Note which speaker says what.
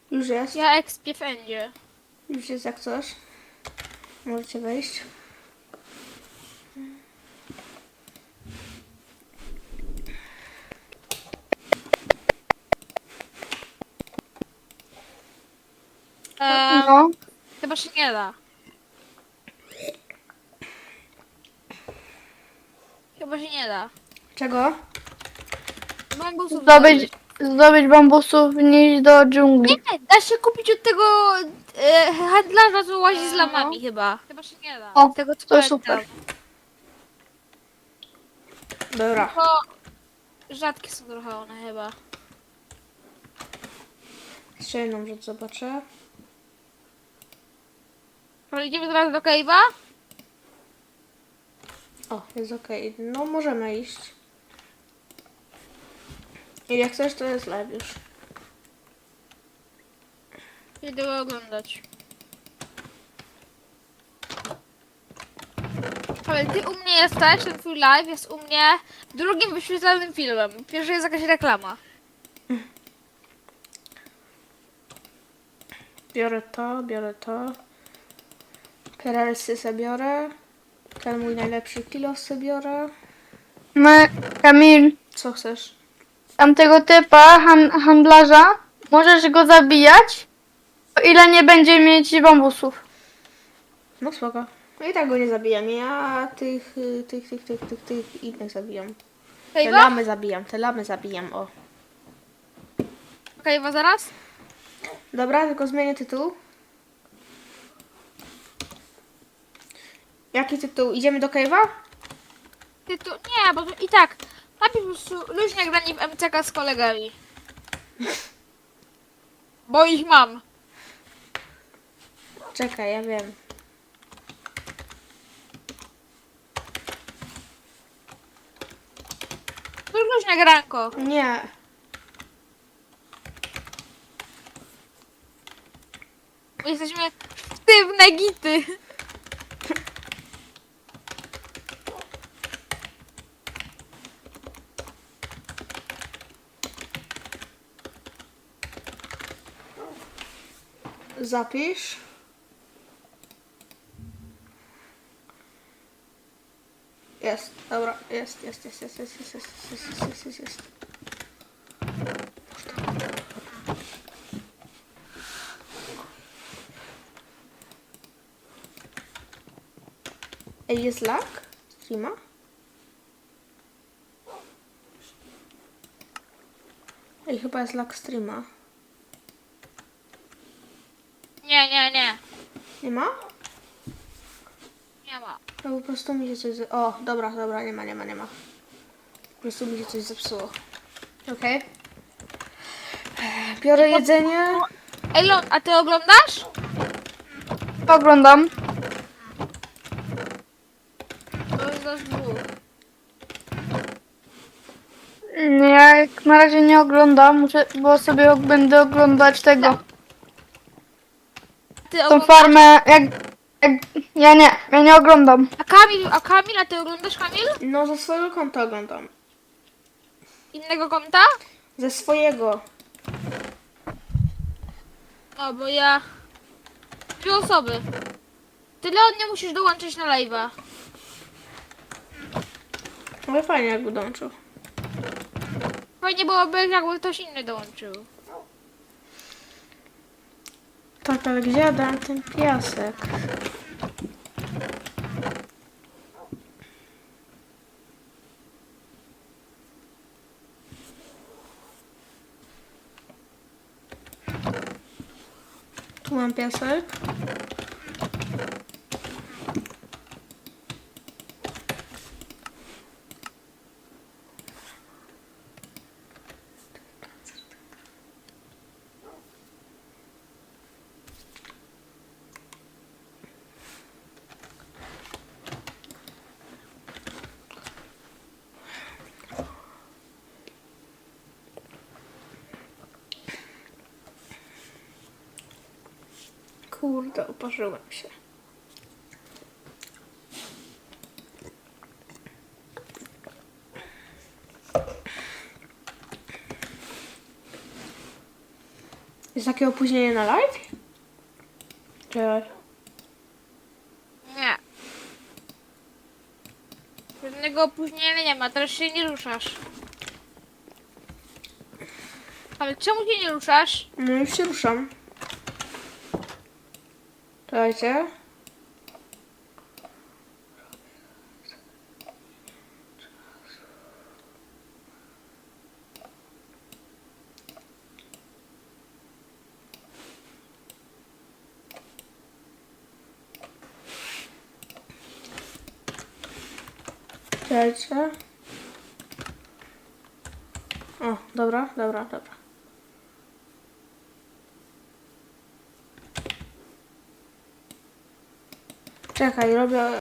Speaker 1: Już jest.
Speaker 2: Ja ekspię wszędzie.
Speaker 1: Już jest jak coś. Możecie wejść.
Speaker 3: No.
Speaker 2: Chyba się nie da. Chyba się nie da.
Speaker 1: Czego?
Speaker 2: Bambusów
Speaker 3: Zdobyć bambusów, nie iść do dżungli.
Speaker 2: Nie, da się kupić od tego handlarza, co łazi z lamami chyba. Chyba się nie da.
Speaker 3: O,
Speaker 2: Z tego co
Speaker 3: to
Speaker 2: pamiętam.
Speaker 3: super.
Speaker 1: Dobra.
Speaker 2: Tylko rzadkie są trochę one chyba.
Speaker 1: Jeszcze jedną rzecz zobaczę.
Speaker 2: Ale idziemy teraz do cave'a?
Speaker 1: O, jest okej. No, możemy iść. I jak chcesz, to jest live już.
Speaker 2: Idę go oglądać. Ale ty u mnie jesteś, ten twój live jest u mnie drugim wyświetlanym filmem. Pierwszy jest jakaś reklama.
Speaker 1: Biorę to, biorę to. Perelsy sobie biorę. Ten mój najlepszy kilo sobie biorę.
Speaker 3: My, Kamil,
Speaker 1: Co chcesz?
Speaker 3: tamtego typa, handlarza, możesz go zabijać, o ile nie będzie mieć bambusów.
Speaker 1: No spoko. No i tak go nie zabijam. Ja tych innych zabijam. Te
Speaker 2: Cave'a?
Speaker 1: lamy zabijam, te lamy zabijam, o.
Speaker 2: Cave'a zaraz?
Speaker 1: Dobra, tylko zmienię tytuł. Jaki tytuł? Idziemy do cave'a?
Speaker 2: Ty tu... Nie, bo tu i tak. Napisz po prostu luźne granie w MCK z kolegami. Bo ich mam.
Speaker 1: Czekaj, ja wiem.
Speaker 2: To luźne granko.
Speaker 1: Nie.
Speaker 2: Bo jesteśmy sztywne gity.
Speaker 1: Zapisz. Jest, dobra, jest. Ej, jest lag? Streama? Ej, chyba jest lag streama.
Speaker 2: Nie.
Speaker 1: Nie ma?
Speaker 2: Nie ma.
Speaker 1: No po prostu mi się coś... O, dobra, nie ma. Po prostu mi się coś zepsuło. Okej. Biorę jedzenie.
Speaker 2: Ej, Lon, a ty oglądasz?
Speaker 3: Oglądam.
Speaker 2: To jest nas dwóch.
Speaker 3: Ja jak na razie nie oglądam, bo sobie będę oglądać tego.
Speaker 2: Ty
Speaker 3: Tą
Speaker 2: oglądasz?
Speaker 3: farmę, ja nie oglądam.
Speaker 2: A Kamil, a ty oglądasz Kamil?
Speaker 1: No, ze swojego konta oglądam.
Speaker 2: Innego konta?
Speaker 1: Ze swojego.
Speaker 2: No, bo ja... Dwie osoby. Ty, Leon, nie musisz dołączyć na live'a.
Speaker 1: Ale fajnie, jak dołączył.
Speaker 2: Fajnie byłoby, jakby ktoś inny dołączył.
Speaker 1: Tak, ale gdzie ja dałem ten piasek? Tu mam piasek. Kurde, uparzyłem się. Jest takie opóźnienie na live? Czekaj.
Speaker 2: Nie. Żadnego opóźnienia nie ma, teraz się nie ruszasz. Ale czemu się nie ruszasz?
Speaker 1: No już się ruszam. Czekajcie. Czekajcie. O, dobra. Czekaj, robię